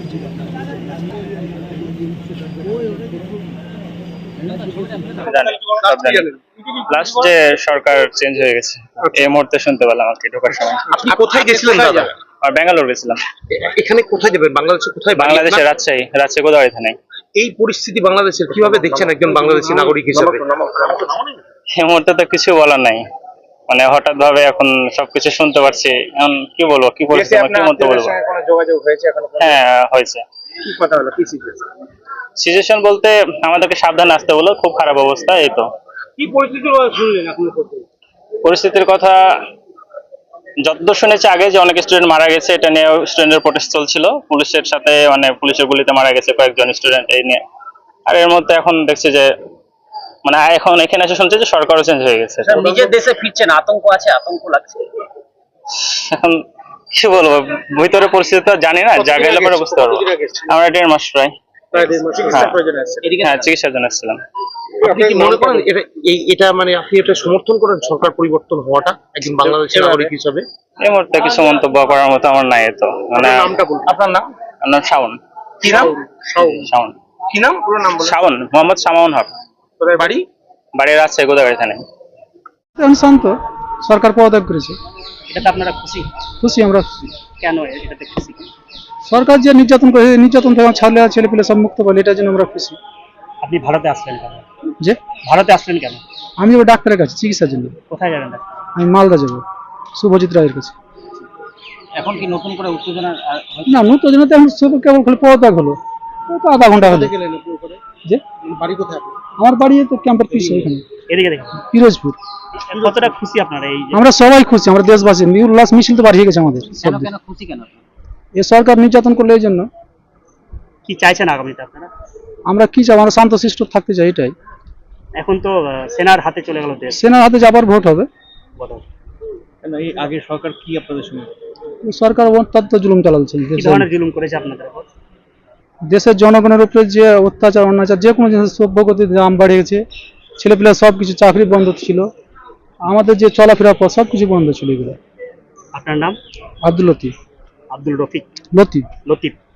Last যে সরকার change হয়ে গেছে এই মুহূর্তে শুনতে পেলাম আর কি ঢোকার সময়। আপনি কোথায় গেছিলেন দাদা? আর ব্যাঙ্গালোর গেছিলাম। এখানে কোথায় যাবেন? বাংলাদেশে কোথায়? বাংলাদেশে রাজশাহী গোদাগাড়ি থানায়। এই পরিস্থিতি বাংলাদেশের কিভাবে দেখছেন একজন বাংলাদেশী নাগরিক হিসেবে? এই মুহূর্তে তো কিছু বলার নাই, মানে হঠাৎ ভাবে এখন সবকিছু শুনতে পারছি। এখন কি বলবো, কি বলছি, কি মতো বলবো? হ্যাঁ হয়েছে। কি কথা হলো, কি সিচুয়েশন? সিচুয়েশন বলতে আমাদেরকে সাবধান আসতে বলো, খুব খারাপ অবস্থা। এই তো কি পরিস্থিতি শুনলেন এখন? পরিস্থিতির কথা যতদূর শুনেছি আগে যে অনেক স্টুডেন্ট মারা গেছে, এটা নিয়ে স্টুডেন্টের প্রোটেস্ট চলছিল পুলিশের সাথে, মানে পুলিশের গুলিতে মারা গেছে কয়েকজন স্টুডেন্ট এই নিয়ে। আর এর মধ্যে এখন দেখছি যে মানে এখন এখানে এসে শুনছি যে সরকারও চেঞ্জ হয়ে গেছে। নিজের দেশে ফিরছেন, আতঙ্ক আছে, আতঙ্ক লাগছে। এখন কি বলবো, ভিতরে পরিস্থিতি তো জানি না, যা গেলে পরে বুঝতে পারবো। আমরা 1.5 মাস প্রায় চিকিৎসার জন্য এসেছিলাম। আপনি কি মনে করেন এটা মানে আপনি এটা সমর্থন করেন সরকার পরিবর্তন হওয়াটা একজন বাংলাদেশী নাগরিক হিসেবে? এই মুহূর্তে কিছু মন্তব্য করার মতো আমার নাই। তো মানে নামটা বলুন। আপনার নাম? আমার নাম শাওন। কি নাম? শাওন। কি নাম? পুরো নাম বলুন। শাওন, মোহাম্মদ শামাউন হক। কোথায় বাড়ি? বাড়ি রাজশাহী গোদাগাড়ি থানায়। শান্ত সরকার পদত্যাগ করেছে, এটাতে আপনারা খুশি? খুশি, আমরা খুশি। কেন এটাতে খুশি? সরকার যে নির্যাতন করে, নির্যাতন থেকে ছেলে পেলে সব মুক্ত পেলে, এটার জন্য আমরা খুশি। আপনি ভারতে আসলেন কেন? যে ভারতে আসলেন কেন? আমি ওই ডাক্তারের কাছে চিকিৎসার জন্য। কোথায় যাবেন? আমি মালদা যাবো, শুভজিৎ রায়ের কাছে। এখন কি নতুন করে উত্তেজনা? না, উত্তেজনাতে এখন কেবল খালি পদত্যাগ হলো, তো আধা ঘন্টা হলো। যে বাড়ি কোথায়? আমার বাড়ি তো ক্যাম্পের পিছিয়ে, এখানে এদিকে দেখুন, পিরোজপুর। কতটা খুশি আপনারা? এই আমরা সবাই খুশি, আমরা দেশবাসী। উল্লাস মিছিল তো বাড়িয়ে গেছে আমাদের। কেন খুশি কেন? এই সরকার নির্যাতন করলে এই জন্য। কি চাইছেন আগামীতে আপনারা? আমরা কি চাই, আমরা শান্তশিষ্ট থাকতে চাই, এটাই। এখন তো সেনার হাতে চলে গেল দেশ, সেনার হাতে যাবার ভোট হবে। এই আগে সরকার কি আপনাদের সঙ্গে? সরকার অত্যন্ত জুলুম চালাচ্ছে। কি ধরনের জুলুম করেছে আপনাদের উপর? দেশের জনগণের উপরে যে অত্যাচার, অন্যাচার, যে কোনো জিনিস সভ্যগতির দাম বেড়ে গেছে। ছেলেপিলা সব কিছু, চাকরি বন্ধ ছিল, আমাদের যে চলাফেরা পথ সব কিছু বন্ধ ছিল। এগুলো। আপনার নাম? আব্দুল লতিফ। আব্দুল রফিক লতিফ। লতিফ।